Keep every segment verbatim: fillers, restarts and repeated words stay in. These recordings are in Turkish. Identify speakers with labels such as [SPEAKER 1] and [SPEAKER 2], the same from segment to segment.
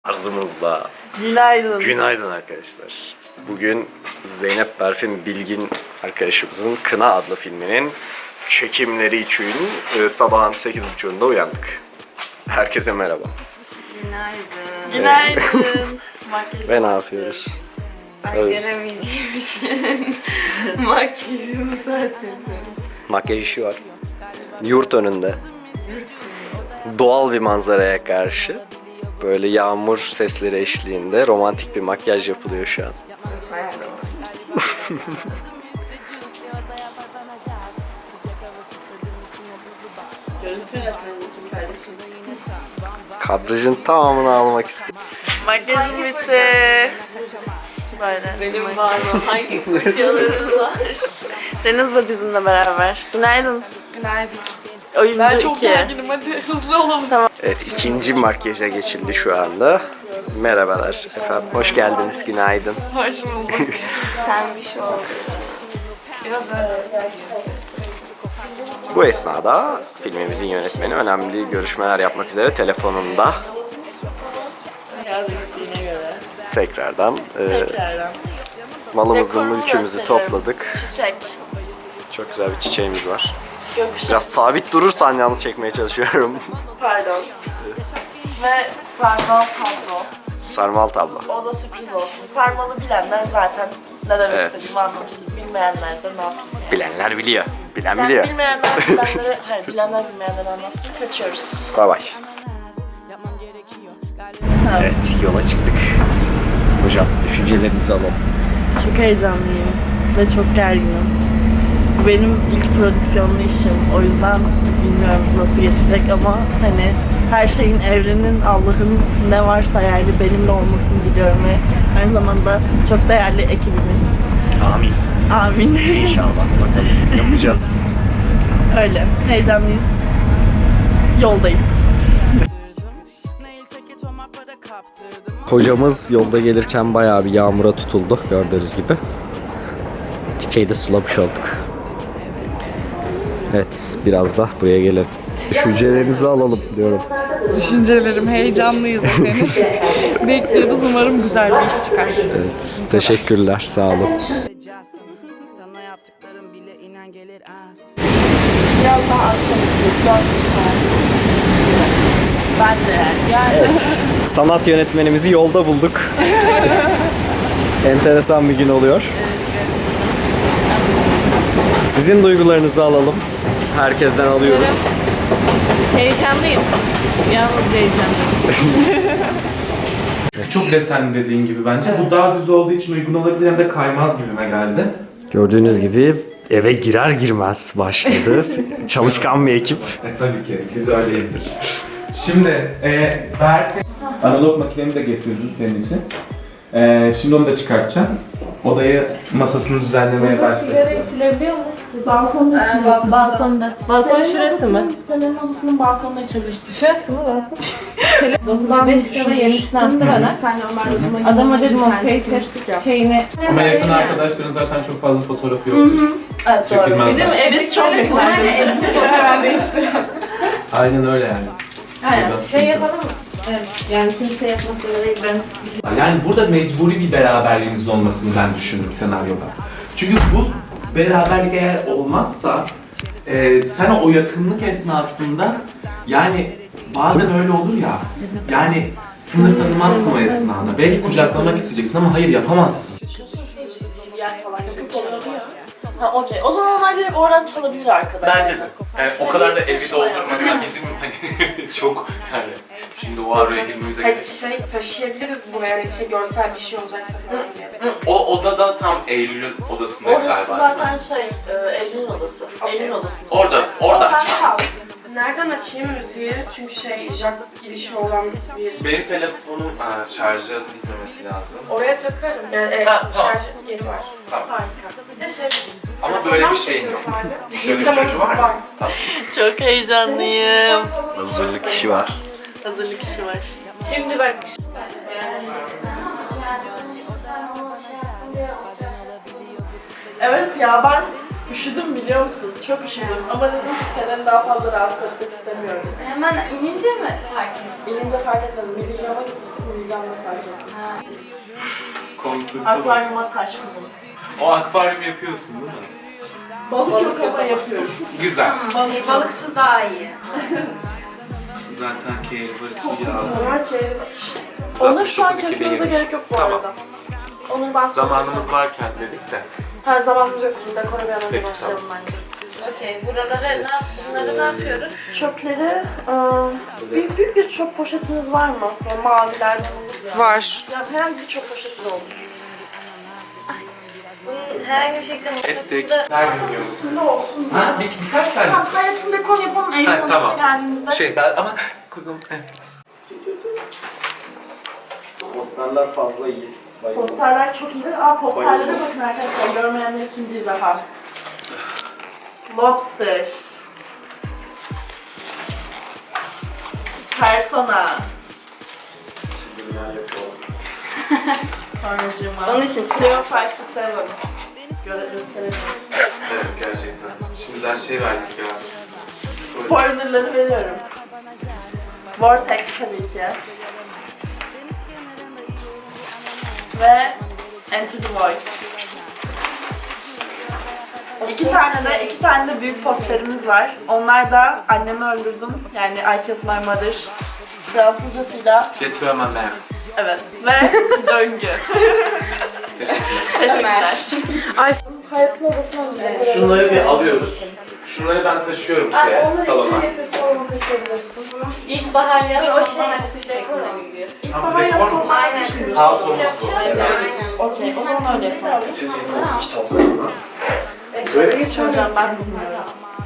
[SPEAKER 1] Arzımızla.
[SPEAKER 2] Günaydın.
[SPEAKER 1] Günaydın arkadaşlar. Bugün Zeynep Berfin Bilgin arkadaşımızın Kına adlı filminin çekimleri için e, sabahın sekiz buçuğunda uyandık. Herkese merhaba.
[SPEAKER 3] Günaydın.
[SPEAKER 2] Günaydın. Makyaj
[SPEAKER 1] Ve ne yapıyoruz?
[SPEAKER 3] Ben
[SPEAKER 1] Evet.
[SPEAKER 3] gelemeyeceğim için makyajımı zaten.
[SPEAKER 1] Makyaj işi var. Yurt önünde. Doğal bir manzaraya karşı böyle yağmur sesleri eşliğinde romantik bir makyaj yapılıyor şu an.
[SPEAKER 2] Görüntü yönetmenisin kardeşim.
[SPEAKER 1] Kadrajın tamamını almak istedim.
[SPEAKER 2] Makyajım bitti. Böyle.
[SPEAKER 3] Benim var mı? Hangi fırçalarım var?
[SPEAKER 2] Deniz de bizimle beraber. Günaydın.
[SPEAKER 3] Günaydın.
[SPEAKER 2] Oyuncu
[SPEAKER 3] Ben çok
[SPEAKER 2] iki.
[SPEAKER 3] gerginim, hadi hızlı olalım.
[SPEAKER 2] Tamam.
[SPEAKER 1] Evet, ikinci makyaja geçildi şu anda. Merhabalar efendim, hoş geldiniz, günaydın.
[SPEAKER 3] Hoş bulduk. Sen bir şey ol. Biraz öyle.
[SPEAKER 1] Bu esnada filmimizin yönetmeni önemli görüşmeler yapmak üzere telefonunda
[SPEAKER 2] Yaz gittiğine göre.
[SPEAKER 1] tekrardan e,
[SPEAKER 2] Tekrardan.
[SPEAKER 1] malımızı,
[SPEAKER 2] Dekorumu
[SPEAKER 1] mülkümüzü
[SPEAKER 2] gösteriyorum.
[SPEAKER 1] topladık.
[SPEAKER 2] Çiçek.
[SPEAKER 1] Çok güzel bir çiçeğimiz var.
[SPEAKER 2] Gökkuşağı.
[SPEAKER 1] Biraz sabit durursan yalnız çekmeye çalışıyorum.
[SPEAKER 2] Pardon. Ve sarmal tablo.
[SPEAKER 1] Sarmal tablo.
[SPEAKER 2] O da sürpriz olsun. Sarmalı bilenler zaten ne demek
[SPEAKER 1] Evet.
[SPEAKER 2] istediğimi anlamıştır. Bilmeyenler de ne yapayım yani.
[SPEAKER 1] Bilenler biliyor. Bilen
[SPEAKER 2] Ben
[SPEAKER 1] biliyor.
[SPEAKER 2] bilmeyenler bilenlere, hayır bilenler bilmeyenler anlatsın. Kaçıyoruz.
[SPEAKER 1] Bay bay. Evet, yola çıktık. Hocam, düşüncelerinizi alalım.
[SPEAKER 2] Çok heyecanlıyım ve çok gerginim. Bu benim ilk prodüksiyonlu işim. O yüzden bilmiyorum nasıl geçecek ama hani her şeyin, evrenin, Allah'ın ne varsa yani benimle olmasını diliyorum ve aynı zamanda çok değerli ekibimin.
[SPEAKER 1] Amin.
[SPEAKER 2] Amin.
[SPEAKER 1] İnşallah bakalım. Yapacağız.
[SPEAKER 2] Öyle. Heyecanlıyız. Yoldayız.
[SPEAKER 1] Hocamız yolda gelirken bayağı bir yağmura tutuldu gördüğünüz gibi. Çiçeği de sulamış olduk. Evet, biraz da buraya gelelim. Düşüncelerinizi alalım diyorum.
[SPEAKER 4] Düşüncelerim, heyecanlıyız efendim. Bekliyoruz, umarım güzel bir iş çıkar.
[SPEAKER 1] Evet, teşekkürler, sağ olun.
[SPEAKER 5] Sana yaptıklarım bile inan gelir az.
[SPEAKER 2] Biraz daha akşamüstü. dört Ben de yani. yani.
[SPEAKER 1] Evet, sanat yönetmenimizi yolda bulduk. Enteresan bir gün oluyor. Sizin duygularınızı alalım. Herkesten alıyoruz.
[SPEAKER 4] Heyecanlıyım. Yalnız heyecanlıyım.
[SPEAKER 6] Çok desen dediğin gibi bence. Bu daha düz olduğu için uygun olabilir, hem de kaymaz gibime geldi.
[SPEAKER 1] Gördüğünüz gibi eve girer girmez başladı. Çalışkan bir ekip.
[SPEAKER 6] E tabii ki, biz öyleyizdir. Şimdi, e, Berk analog makinemi de getirdim senin için. E, şimdi onu da çıkartacağım. Odayı, masasını düzenlemeye başladım.
[SPEAKER 4] içilebiliyor mu?
[SPEAKER 2] Balkonda için.
[SPEAKER 4] Balkonda. Balkonda. Balkon şurası mı?
[SPEAKER 2] Senin odasının balkonuna açabilirsin.
[SPEAKER 4] Şurası mı balkon? dokuzdan beş kadar yenisini attı bana.
[SPEAKER 2] Senle Ömer Lüzum'a
[SPEAKER 4] Adama dedim o face şeyini...
[SPEAKER 6] Ama yakın arkadaşların zaten çok fazla fotoğrafı yoktur.
[SPEAKER 2] Evet doğru.
[SPEAKER 6] Çekilmez
[SPEAKER 2] Bizim
[SPEAKER 6] zaten.
[SPEAKER 2] biz çok yakın arkadaşız. Hemen değişti.
[SPEAKER 6] Aynen öyle yani.
[SPEAKER 2] Aynen.
[SPEAKER 4] Şey yapalım mı? Evet. Yani kimse yapmak zorunda değil. Ben
[SPEAKER 6] Yani burada mecburi bir beraberliğiniz olmasını ben düşündüm senaryoda. Çünkü bu beraberlik eğer olmazsa e, sen o yakınlık esnasında yani bazen öyle olur ya, yani sınır tanımazsın o esnada. Belki kucaklamak isteyeceksin ama hayır yapamazsın.
[SPEAKER 2] Yer falan yakıp oluyor. Ha okey. O zaman onlar direkt oradan çalabilir arkadaşlar.
[SPEAKER 6] Bence de. Yani o kadar da evi doldurmasa bizim hani çok yani şimdi o araya girmemize gerek.
[SPEAKER 7] Hadi şey taşıyabiliriz buraya, hani şey görsel bir şey olacaksa falan diye.
[SPEAKER 6] O odada tam Eylül'ün odasında
[SPEAKER 2] Orası
[SPEAKER 6] galiba.
[SPEAKER 2] zaten şey, e, Eylül'ün odası. Eylül'ün odası.
[SPEAKER 6] Orada, oradan
[SPEAKER 2] Oradan
[SPEAKER 6] çal.
[SPEAKER 2] çal.
[SPEAKER 7] Nereden açayım müziği? Çünkü şey jack girişi olan bir...
[SPEAKER 6] Benim telefonum ha, şarjı bitmemesi lazım.
[SPEAKER 7] Oraya takarım. Yani e,
[SPEAKER 6] Ha, tamam.
[SPEAKER 7] şarj yeri var.
[SPEAKER 6] Tamam.
[SPEAKER 7] Harika. Bir de şey...
[SPEAKER 6] Ama böyle bir şeyin yok. Dönüştürücü var mı? Tamam.
[SPEAKER 2] Çok heyecanlıyım.
[SPEAKER 1] Hazırlık işi var.
[SPEAKER 2] Hazırlık işi var.
[SPEAKER 4] şimdi bak.
[SPEAKER 2] Evet ya ben Üşüdüm biliyor musun? Çok üşüdüm ama dedim ki seni daha fazla rahatsız etmek istemiyorum.
[SPEAKER 3] Hemen inince mi fark ettin?
[SPEAKER 2] İnince fark etmedim. Miligram'a gitmiştik, miligramda fark ettim.
[SPEAKER 3] Ha.
[SPEAKER 6] Konsepti bu.
[SPEAKER 2] Akvaryuma taş kuzum.
[SPEAKER 6] O akvaryum yapıyorsun değil mi?
[SPEAKER 2] Balık yok ama yapıyoruz.
[SPEAKER 6] Güzel.
[SPEAKER 3] E, balıksız daha iyi.
[SPEAKER 6] Zaten keyif var içi yağlı.
[SPEAKER 2] Normal şey. Onları şu an
[SPEAKER 6] dokuz iki bin
[SPEAKER 2] kesmenize
[SPEAKER 6] yirmi.
[SPEAKER 2] gerek yok bu
[SPEAKER 6] Tamam.
[SPEAKER 2] arada. Onu ben sonra
[SPEAKER 6] Zamanımız
[SPEAKER 2] keserim.
[SPEAKER 6] varken dedik de.
[SPEAKER 2] Ha zamanımız yok. Şimdi dekora bir an önce
[SPEAKER 6] Peki,
[SPEAKER 2] başlayalım bence.
[SPEAKER 3] Okey, buraları ne yap bunları ne yapıyoruz?
[SPEAKER 2] Çöpleri, ıı, büyük, büyük bir çöp poşetiniz var mı? Yani mavilerden olur ya.
[SPEAKER 7] Var.
[SPEAKER 2] Ya herhangi bir çöp poşeti de olur.
[SPEAKER 3] Bunun herhangi bir şekilde
[SPEAKER 6] Estek.
[SPEAKER 3] mutfakta
[SPEAKER 6] Her gün yiyoruz.
[SPEAKER 2] Üstünde olsun diye.
[SPEAKER 6] Ha, bir, birkaç tane.
[SPEAKER 2] Tamam, hayatın dekor yapalım Eylül
[SPEAKER 6] Ha,
[SPEAKER 2] Manası'na
[SPEAKER 6] tamam.
[SPEAKER 2] geldiğimizde.
[SPEAKER 6] Şey ben ama kuzum.
[SPEAKER 1] Posterler fazla iyi. Bayıldım.
[SPEAKER 2] Posterler çok iyidir. Aa posterlere
[SPEAKER 1] Bayıldım.
[SPEAKER 2] bakın arkadaşlar. Görmeyenler için bir daha. Lobster. Persona.
[SPEAKER 1] Subliminal yapıyorlar.
[SPEAKER 2] Sonracığıma.
[SPEAKER 3] Onun için
[SPEAKER 2] Cleo beş to seven. Göre gösterelim.
[SPEAKER 6] Evet gerçekten. Şimdiden şey verdik ya.
[SPEAKER 2] Spoilerları veriyorum. Vortex tabii ki. Ve Enter the Void. İki tane de iki tane de büyük posterimiz var. Onlar da Annemi Öldürdüm. Yani I Killed My Mother. Fransızcasıyla
[SPEAKER 6] Jet Furman ben.
[SPEAKER 2] evet ve döngü.
[SPEAKER 6] Teşekkürler.
[SPEAKER 2] Teşekkürler. Ay hayatın odasına mı?
[SPEAKER 6] Şunları bir alıyoruz. Şunları ben taşıyorum
[SPEAKER 2] Ay,
[SPEAKER 6] şeye,
[SPEAKER 2] onları
[SPEAKER 6] salona.
[SPEAKER 2] içeri getir, salona taşıyabilirsin.
[SPEAKER 3] İlkbahar ya da o şey dekorla mı gidiyor?
[SPEAKER 2] İlk
[SPEAKER 6] Ha, bu
[SPEAKER 2] bana ya
[SPEAKER 6] dekor mu?
[SPEAKER 2] sonuna
[SPEAKER 3] Aynen.
[SPEAKER 2] geçmiyoruz.
[SPEAKER 6] House olması bu.
[SPEAKER 2] Okey, o zaman öyle yapalım.
[SPEAKER 1] Kitaplarına.
[SPEAKER 2] Böyle geçeceğim ben bilmiyorum.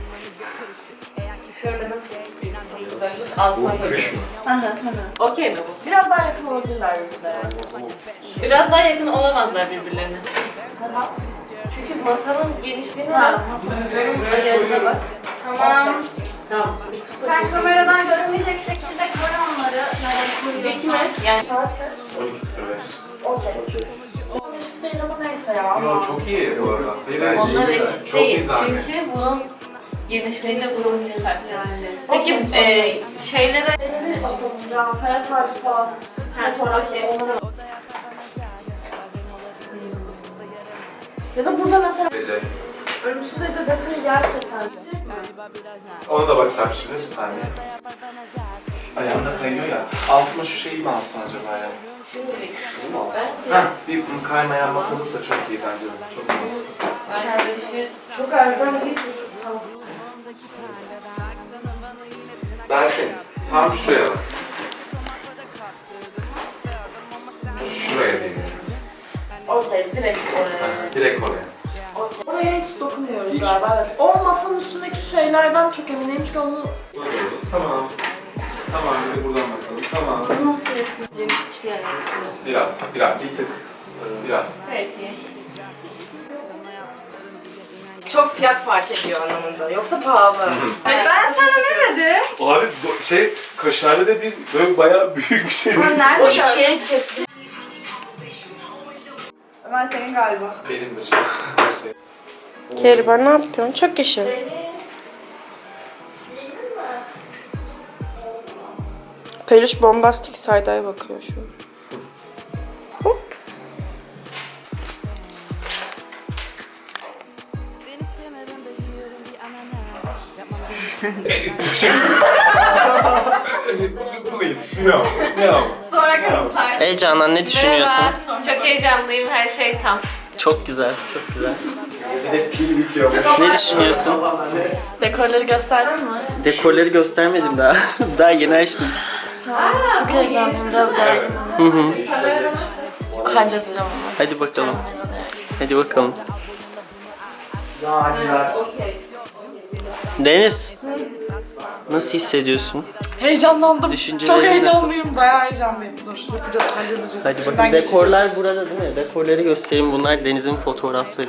[SPEAKER 3] Şöyle nasıl?
[SPEAKER 2] Ağzına Hı hı hı.
[SPEAKER 3] Okey mi bu?
[SPEAKER 2] Biraz daha yakın olabilirler birbirlerine.
[SPEAKER 3] Biraz daha yakın olamazlar birbirlerine.
[SPEAKER 2] Tamam.
[SPEAKER 3] Çünkü masanın genişliğine
[SPEAKER 2] Ha,
[SPEAKER 3] bak.
[SPEAKER 2] nasıl?
[SPEAKER 3] Bunun ayarına bak. Tamam.
[SPEAKER 2] Tamam.
[SPEAKER 3] Sen kameradan görünmeyecek şekilde koy onları. Yani dik mi? Yani
[SPEAKER 2] Saat kaç?
[SPEAKER 6] on iki sıfır beş.
[SPEAKER 2] Okey. Onun eşit değil ama neyse ya.
[SPEAKER 6] Yo çok iyi bu arada. Hayır,
[SPEAKER 3] onlar
[SPEAKER 6] hayır.
[SPEAKER 3] eşit
[SPEAKER 6] Çok iyi
[SPEAKER 3] değil.
[SPEAKER 6] zahmet.
[SPEAKER 3] Çünkü bunun genişliğiyle bunun farklı.
[SPEAKER 2] Yani.
[SPEAKER 3] Peki
[SPEAKER 2] Okey,
[SPEAKER 3] e, şeylere
[SPEAKER 2] Elini basılacağım, hayat harcı falan. Fotoğraf
[SPEAKER 3] okey.
[SPEAKER 2] onlara. Ya da burada mesela
[SPEAKER 6] Ece.
[SPEAKER 2] ölümsüz Ece detayı gerçekten.
[SPEAKER 6] Ona da bakacağım şimdi bir saniye. Ayağımda kayıyor ya. Altıma şu şeyi mi alsın acaba ya?
[SPEAKER 1] Şunu mu alsın?
[SPEAKER 6] Heh, bir kaymayan bak olursa çok iyi bence de. Çok iyi.
[SPEAKER 3] kardeşi
[SPEAKER 2] Çok erken değilse çok fazla.
[SPEAKER 6] Belki tam şuraya bak. Şuraya değil.
[SPEAKER 2] Okey, direkt oraya.
[SPEAKER 6] Aha, direkt oraya.
[SPEAKER 2] Okey. Oraya hiç dokunmuyoruz galiba, evet. O masanın üstündeki şeylerden çok eminim çünkü onu...
[SPEAKER 6] Tamam. Tamam, bir de buradan bakalım. Tamam.
[SPEAKER 3] nasıl yapabileceğimiz hiçbir yer yok.
[SPEAKER 6] Biraz, biraz. Bir tık. Biraz.
[SPEAKER 3] Peki.
[SPEAKER 7] Çok fiyat fark ediyor anlamında. Yoksa pahalı.
[SPEAKER 3] Ben sana ne dedim?
[SPEAKER 6] Abi do- şey, kaşarlı dediğin böyle bayağı büyük bir şey.
[SPEAKER 3] Nerede
[SPEAKER 7] O ikiye kesin.
[SPEAKER 4] Ömer senin galiba.
[SPEAKER 6] Benimdir. Her şey.
[SPEAKER 7] Keriban ne yapıyorsun? Çok yaşa. Peluş bombastik saydaya bakıyor şu an. Hop.
[SPEAKER 6] Please, no, no.
[SPEAKER 3] Sonra kanıtlar.
[SPEAKER 8] Heyecandan ne düşünüyorsun?
[SPEAKER 3] Merhaba. Çok heyecanlıyım. Her şey tam.
[SPEAKER 8] Çok güzel, çok güzel.
[SPEAKER 1] Bir de pil bitiyor.
[SPEAKER 8] Ne düşünüyorsun?
[SPEAKER 2] Dekorları gösterdin mi?
[SPEAKER 8] Dekorları göstermedim daha. Daha yeni açtım.
[SPEAKER 2] Çok heyecanlıyım, biraz gerginim.
[SPEAKER 8] Hı hı.
[SPEAKER 2] Halledeceğim ama.
[SPEAKER 8] Hadi bakalım. Hadi bakalım. Deniz. Nasıl hissediyorsun?
[SPEAKER 4] Heyecanlandım.
[SPEAKER 8] Düşüncelerin
[SPEAKER 4] Çok
[SPEAKER 8] nasıl?
[SPEAKER 4] heyecanlıyım. Bayağı heyecanlıyım. Dur yapacağız, halledeceğiz.
[SPEAKER 8] Hadi
[SPEAKER 4] İçinden
[SPEAKER 8] bakın
[SPEAKER 4] geçeceğiz.
[SPEAKER 8] dekorlar burada değil mi? Dekorları göstereyim. Bunlar Deniz'in fotoğrafları.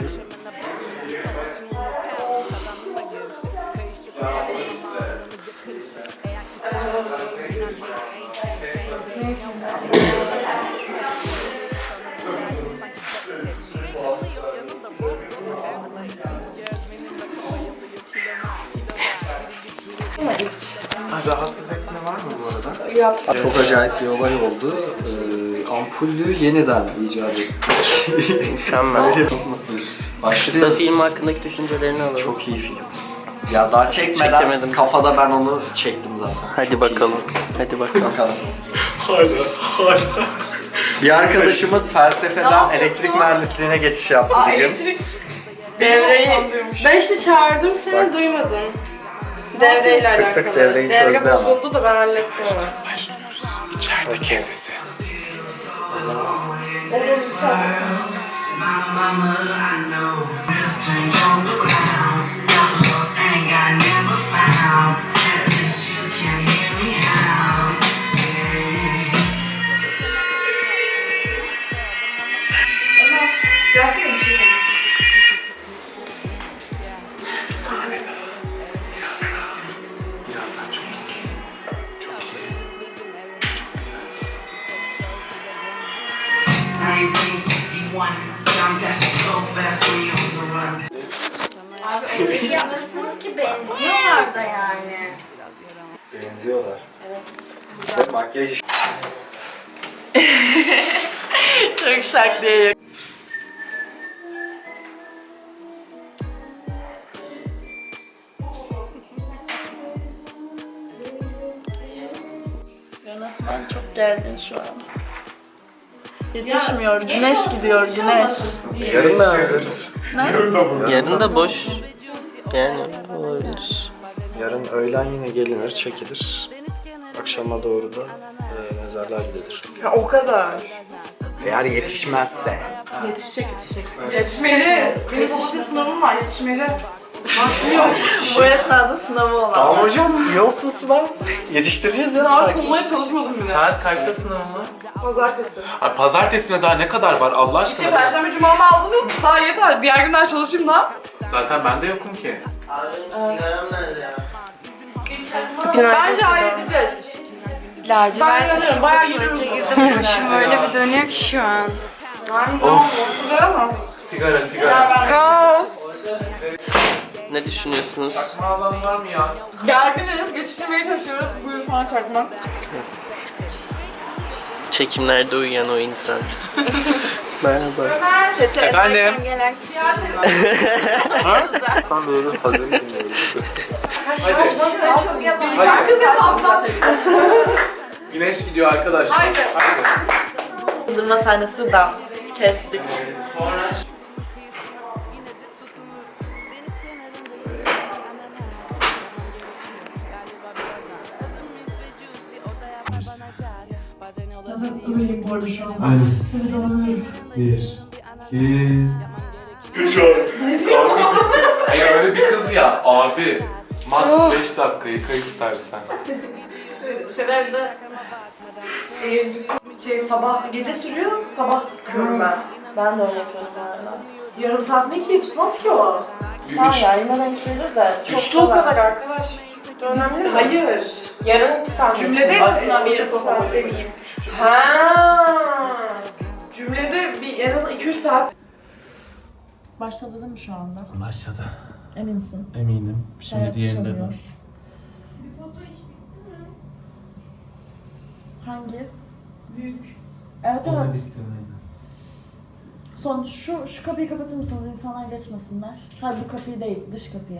[SPEAKER 9] rahatsız etme var mı bu arada?
[SPEAKER 7] Yok.
[SPEAKER 9] Çok acayip bir olay oldu. Ee, ampullü yeniden icat ettik.
[SPEAKER 8] Mükemmel.
[SPEAKER 9] Çok mutluyuz.
[SPEAKER 8] Kısa
[SPEAKER 9] Başlıyoruz.
[SPEAKER 8] film hakkındaki düşüncelerini alalım.
[SPEAKER 9] Çok iyi film. Ya daha çekmeden
[SPEAKER 8] Çekemedim.
[SPEAKER 9] kafada ben onu çektim zaten.
[SPEAKER 8] Hadi
[SPEAKER 9] Çok
[SPEAKER 8] bakalım.
[SPEAKER 9] iyi.
[SPEAKER 8] Hadi bakalım.
[SPEAKER 9] Bakalım. Bir arkadaşımız felsefeden elektrik mühendisliğine geçiş yaptı
[SPEAKER 7] Aa,
[SPEAKER 9] bugün.
[SPEAKER 7] elektrik devreyi. Ben işte çağırdım seni, duymadın. Devreyle
[SPEAKER 9] Tık
[SPEAKER 7] alakalı.
[SPEAKER 9] tık devreyi
[SPEAKER 7] Devre
[SPEAKER 9] çözdü ama.
[SPEAKER 7] bozuldu da ben hallettim onu.
[SPEAKER 6] İçeride kendisi. Birazdan çok iyi. Çok iyi. Çok güzel.
[SPEAKER 3] Abi öyle bir yanırsınız ki benziyorlar da yani.
[SPEAKER 9] Benziyorlar. Evet. Makyaj
[SPEAKER 2] Çok şak diye. Yönetmen çok gergin şu an. Yetişmiyor. Güneş gidiyor, güneş.
[SPEAKER 9] yarın devam ederiz.
[SPEAKER 8] Yarın da boş. Yani olabilir.
[SPEAKER 9] Yarın öğlen yine gelinir, çekilir. Akşama doğru da e, mezarlığa gidilir.
[SPEAKER 7] Ha, o kadar.
[SPEAKER 9] Eğer yetişmezse.
[SPEAKER 7] Yetişecek, yetişecek. Yetişmeli. Benim bu sınavım var, yetişmeli. Vaktim yok.
[SPEAKER 2] Bu esnada sınavı olan.
[SPEAKER 9] Tamam hocam, iyi olsun sınav. Yetiştireceğiz ya
[SPEAKER 7] Daha
[SPEAKER 9] sakin.
[SPEAKER 7] bulmaya çalışmadım bile.
[SPEAKER 6] Saat kaçta sınavın var?
[SPEAKER 7] Pazartesi.
[SPEAKER 6] Ay, pazartesine daha ne kadar var Allah
[SPEAKER 7] İşte
[SPEAKER 6] aşkına?
[SPEAKER 7] perşembe cumamı aldınız, daha yeter. Diğer günler çalışayım da.
[SPEAKER 6] Zaten ben de yokum ki.
[SPEAKER 8] Sigaram nerede ya?
[SPEAKER 7] Bence halledeceğiz. Ben inanıyorum, bayağı yürüyoruz.
[SPEAKER 3] Başım öyle bir dönüyor ki şu an.
[SPEAKER 7] Yani tamam, ortada ama.
[SPEAKER 6] Sigara sigara.
[SPEAKER 7] Kaos.
[SPEAKER 8] Ne düşünüyorsunuz?
[SPEAKER 6] Çakma alan var mı ya?
[SPEAKER 7] Gerginiz, geçiştirmeye çalışıyoruz. Buyur sana çakmak.
[SPEAKER 8] Çekimlerde uyuyan o insan. Merhaba.
[SPEAKER 6] Efendim?
[SPEAKER 9] Ben böyle hazır dinliyoruz.
[SPEAKER 6] Hadi.
[SPEAKER 7] Kız et atlat.
[SPEAKER 6] Güneş gidiyor arkadaşlar.
[SPEAKER 7] Haydi.
[SPEAKER 6] Haydi.
[SPEAKER 2] Yıldırma sahnesi dan. Kestik.
[SPEAKER 6] Sonra Aynen. Bir, iki, üç Hayır öyle bir kız ya abi. Max beş dakika yıka istersen.
[SPEAKER 7] Sefer'de şey sabah gece sürüyor, sabah çıkıyorum ben.
[SPEAKER 2] Ben de öyle yapıyorum galiba.
[SPEAKER 7] Yarım saat ne ki? Tutmaz ki o.
[SPEAKER 2] Tamam ya yine denk gelir de. Çok
[SPEAKER 7] Üçte o kadar arkadaş. Önemli mi? Hayır. Yarım bir saat. Cümlede en azından bir yarım saat demeyeyim. Ha. Cümlede bir en azından iki üç saat.
[SPEAKER 2] Başladı değil mi şu anda?
[SPEAKER 6] Başladı.
[SPEAKER 2] Eminsin.
[SPEAKER 6] Eminim. Şimdi
[SPEAKER 2] Hayat
[SPEAKER 6] diğerinde
[SPEAKER 2] çalıyor.
[SPEAKER 6] dur.
[SPEAKER 2] Hangi? Büyük. Evet evet. Son şu şu kapıyı kapatır mısınız? İnsanlar geçmesinler. Hayır bu kapıyı değil, dış kapıyı.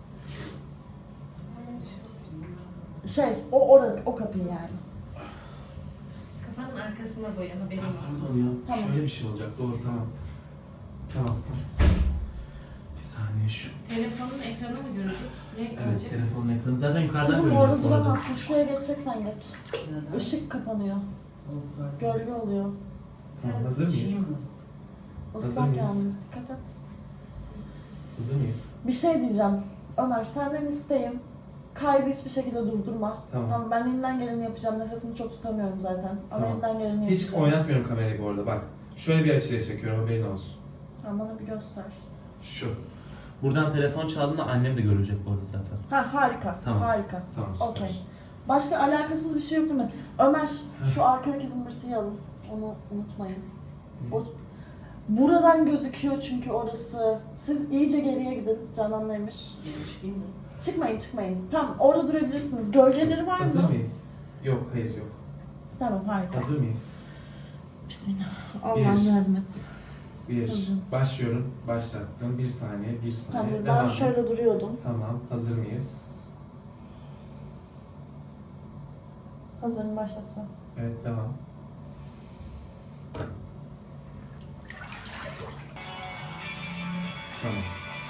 [SPEAKER 2] Şey, o orada, o kapıyı yani.
[SPEAKER 3] Kafanın arkasına boya haberin var.
[SPEAKER 6] Pardon ya.
[SPEAKER 2] Tamam.
[SPEAKER 6] Şöyle bir şey olacak. Doğru tamam. Tamam. Bir saniye şu.
[SPEAKER 3] Telefonun ekranı mı görecek? Ne
[SPEAKER 6] Evet
[SPEAKER 3] görecek?
[SPEAKER 6] telefonun ekranı. Zaten yukarıdan
[SPEAKER 2] Kızım
[SPEAKER 6] görecek
[SPEAKER 2] orada
[SPEAKER 6] bu arada.
[SPEAKER 2] duramazsın. Şuraya geçeceksen geç. Işık kapanıyor. Gölge oluyor.
[SPEAKER 6] Tamam hazır mıyız?
[SPEAKER 2] Islak
[SPEAKER 6] mıyız?
[SPEAKER 2] yalnız, dikkat et.
[SPEAKER 6] Hazır mıyız?
[SPEAKER 2] Bir şey diyeceğim. Ömer senden isteğim. Kaydı hiçbir şekilde durdurma.
[SPEAKER 6] Tamam.
[SPEAKER 2] Ben elimden geleni yapacağım. Nefesimi çok tutamıyorum zaten. Ama
[SPEAKER 6] Tamam.
[SPEAKER 2] elimden geleni
[SPEAKER 6] Hiç
[SPEAKER 2] yapacağım.
[SPEAKER 6] oynatmıyorum kamerayı bu arada bak. Şöyle bir açıya çekiyorum haberin olsun.
[SPEAKER 2] Tamam, bana bir göster.
[SPEAKER 6] Şu. Buradan telefon çaldığında annem de görecek bu arada zaten.
[SPEAKER 2] Ha harika.
[SPEAKER 6] Tamam.
[SPEAKER 2] Harika.
[SPEAKER 6] Tamam süper.
[SPEAKER 2] Okey. Başka alakasız bir şey yok değil mi? Ömer, şu arkadaki zımbırtıyı alın. Onu unutmayın. O, buradan gözüküyor çünkü orası. Siz iyice geriye gidin Canan Emir. Çıkmayın çıkmayın. Tamam orada durabilirsiniz. Gölgeleri var
[SPEAKER 6] Hazır
[SPEAKER 2] mı?
[SPEAKER 6] mıyız? Yok, hayır yok.
[SPEAKER 2] Tamam harika.
[SPEAKER 6] Hazır mıyız?
[SPEAKER 2] Bismillah. Allah'ım
[SPEAKER 6] Bir.
[SPEAKER 2] yardım et.
[SPEAKER 6] Bir.
[SPEAKER 2] Hazırım.
[SPEAKER 6] Başlıyorum. Başlattım. Bir saniye, bir saniye.
[SPEAKER 2] Tamam
[SPEAKER 6] Devam
[SPEAKER 2] ben
[SPEAKER 6] et.
[SPEAKER 2] şöyle duruyordum.
[SPEAKER 6] Tamam. Hazır mıyız?
[SPEAKER 2] Hazırım başlatsam.
[SPEAKER 6] Evet, devam. Tamam.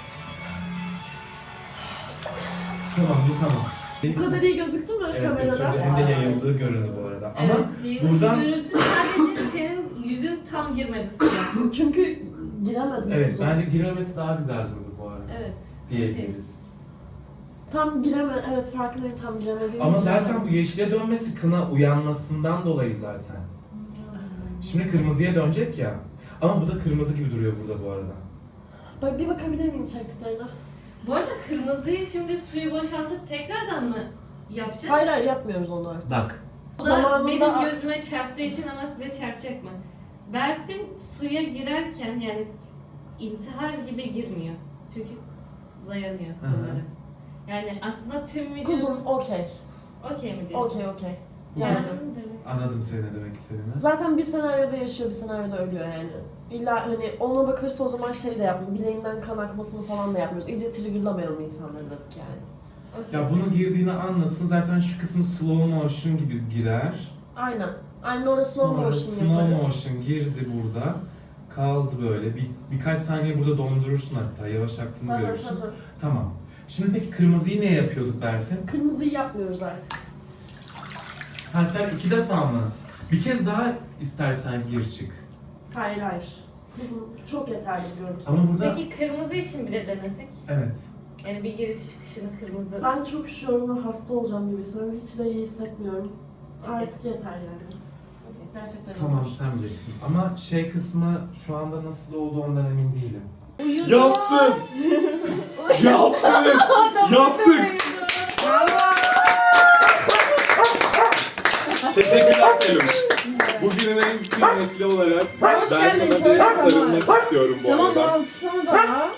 [SPEAKER 6] Tamam, bu tamam.
[SPEAKER 2] Bu kadar iyi gözüktü mü
[SPEAKER 6] Evet,
[SPEAKER 2] kamerada?
[SPEAKER 6] götürdü. Hem de yayıldığı göründü bu arada. Ama
[SPEAKER 3] Evet, yayılış
[SPEAKER 6] buradan...
[SPEAKER 3] görüntü sadece senin yüzün tam girmedi suya.
[SPEAKER 2] Çünkü giremedim.
[SPEAKER 6] Evet,
[SPEAKER 2] uzun.
[SPEAKER 6] bence girmemesi daha güzel durdu bu arada.
[SPEAKER 3] Evet.
[SPEAKER 6] Diyebiliriz.
[SPEAKER 2] Tam gireme, evet farkındayım tam giremediğim.
[SPEAKER 6] Ama zaten bu yeşile dönmesi kına uyanmasından dolayı zaten. Şimdi kırmızıya dönecek ya. Ama bu da kırmızı gibi duruyor burada bu arada.
[SPEAKER 2] Bak bir bakabilir miyim çektiklerine?
[SPEAKER 3] Bu arada kırmızıyı şimdi suyu boşaltıp tekrardan mı yapacağız?
[SPEAKER 2] Hayır hayır yapmıyoruz onu artık.
[SPEAKER 6] Bak.
[SPEAKER 3] O da
[SPEAKER 2] Zamanında-
[SPEAKER 3] benim gözüme çarptığı için ama size çarpacak mı? Berfin suya girerken yani intihar gibi girmiyor. Çünkü dayanıyor
[SPEAKER 6] Hı hı.
[SPEAKER 3] bunlara. Yani aslında tüm vücudu...
[SPEAKER 2] Kuzum okey.
[SPEAKER 3] Okey mi diyorsun?
[SPEAKER 2] Okey okey.
[SPEAKER 3] Yani
[SPEAKER 2] Yani
[SPEAKER 3] demek.
[SPEAKER 6] Anladım seni ne demek istediğini.
[SPEAKER 2] zaten bir senaryoda yaşıyor, bir senaryoda ölüyor yani. İlla hani ona bakılırsa o zaman şey de yapmıyoruz, bileğinden kan akmasını falan da yapmıyoruz. İyice triggerlamayalım insanları dedik yani.
[SPEAKER 3] Okey.
[SPEAKER 6] Ya bunun girdiğini anlasın, zaten şu kısım slow motion gibi girer.
[SPEAKER 2] Aynen. Aynen orası slow
[SPEAKER 6] Sonra
[SPEAKER 2] motion
[SPEAKER 6] slow
[SPEAKER 2] yaparız.
[SPEAKER 6] motion girdi burada. Kaldı böyle. Bir, birkaç saniye burada dondurursun hatta. Yavaş aktığını
[SPEAKER 2] Hı hı
[SPEAKER 6] görürsün.
[SPEAKER 2] hı.
[SPEAKER 6] Tamam. Şimdi peki kırmızıyı ne yapıyorduk Berfin?
[SPEAKER 2] Kırmızıyı yapmıyoruz artık.
[SPEAKER 6] Ha sen iki defa mı? Bir kez daha istersen gir çık.
[SPEAKER 2] Hayır hayır. Kuzum çok yeterli bir görüntü.
[SPEAKER 6] Ama burada...
[SPEAKER 3] Peki kırmızı için bir de denesek?
[SPEAKER 6] Evet.
[SPEAKER 3] Yani bir giriş çıkışını kırmızı...
[SPEAKER 2] Ben çok üşüyorum ve hasta olacağım gibi hissediyorum. Hiç de iyi hissetmiyorum. Artık yeter yani. Gerçekten
[SPEAKER 6] Tamam
[SPEAKER 2] yeter.
[SPEAKER 6] sen bilirsin. Ama şey kısmı şu anda nasıl oldu ondan emin değilim. Yaptın! Yaptık! Yaptık! Teşekkürler Peluş. Bugünün en kıymetli olarak ben sana bir sarılmak istiyorum bu
[SPEAKER 2] Tamam
[SPEAKER 6] arada.
[SPEAKER 2] alkışlama da.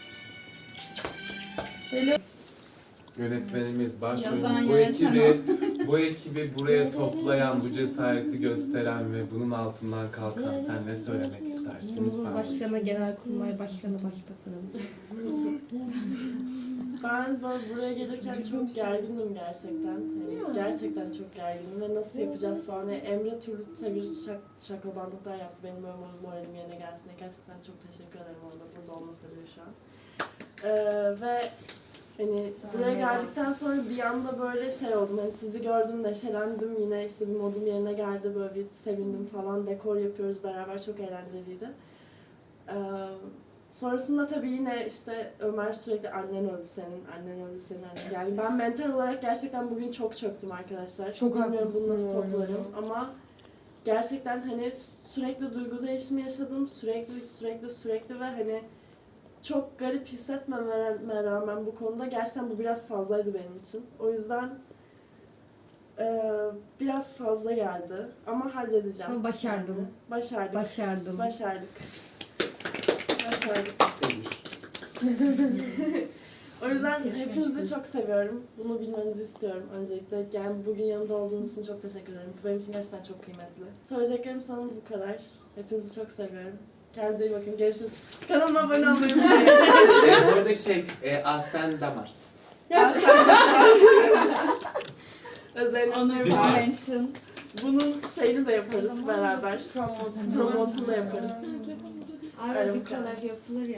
[SPEAKER 6] Yönetmenimiz, başrolümüz,
[SPEAKER 4] Yazan
[SPEAKER 6] bu
[SPEAKER 4] yönetmen
[SPEAKER 6] ekibi, bu ekibi buraya toplayan, bu cesareti gösteren ve bunun altından kalkan sen ne söylemek istersin lütfen?
[SPEAKER 3] Cumhurbaşkanı, Genelkurmay Başkanı, Başbakanımız.
[SPEAKER 2] Ben böyle buraya gelirken çok gergindim gerçekten. Hani gerçekten çok gergindim ve nasıl yapacağız falan. Yani Emre türlü çeviri şak, şaklabanlıklar yaptı. Benim böyle moralim yerine gelsin diye. Gerçekten çok teşekkür ederim orada. Burada olmasa bile şu an. Ee, ve hani buraya geldikten sonra bir anda böyle şey oldum. Hani sizi gördüm, neşelendim. Yine işte bir modum yerine geldi. Böyle bir sevindim falan. Dekor yapıyoruz beraber. Çok eğlenceliydi. Ee, Sonrasında tabii yine işte Ömer sürekli annen öldü senin, annen öldü senin, annen. Yani ben mental olarak gerçekten bugün çok çöktüm arkadaşlar. Çok bilmiyorum bunu nasıl toplarım ama gerçekten hani sürekli duygu değişimi yaşadım. Sürekli sürekli sürekli ve hani çok garip hissetmeme rağmen bu konuda gerçekten bu biraz fazlaydı benim için. O yüzden e, biraz fazla geldi ama halledeceğim.
[SPEAKER 3] Ama başardım.
[SPEAKER 2] Yani. Başardık.
[SPEAKER 3] Başardım.
[SPEAKER 2] Başardık. Başardık. O yüzden hepinizi çok seviyorum. Bunu bilmenizi istiyorum öncelikle. Yani bugün yanımda olduğunuz için çok teşekkür ederim. Bu benim için gerçekten çok kıymetli. Söyleyeceklerim sanırım bu kadar. Hepinizi çok seviyorum. Kendinize iyi bakın. Görüşürüz. Kanalıma abone olmayı unutmayın.
[SPEAKER 6] e, bu arada şey, e, Asen Damar.
[SPEAKER 2] Özellikle
[SPEAKER 4] mention.
[SPEAKER 2] bunun şeyini de yaparız beraber. Promotunu da yaparız.
[SPEAKER 3] Abi
[SPEAKER 2] Öyle
[SPEAKER 3] bu
[SPEAKER 2] bu kadar.
[SPEAKER 3] kadar yapılır ya.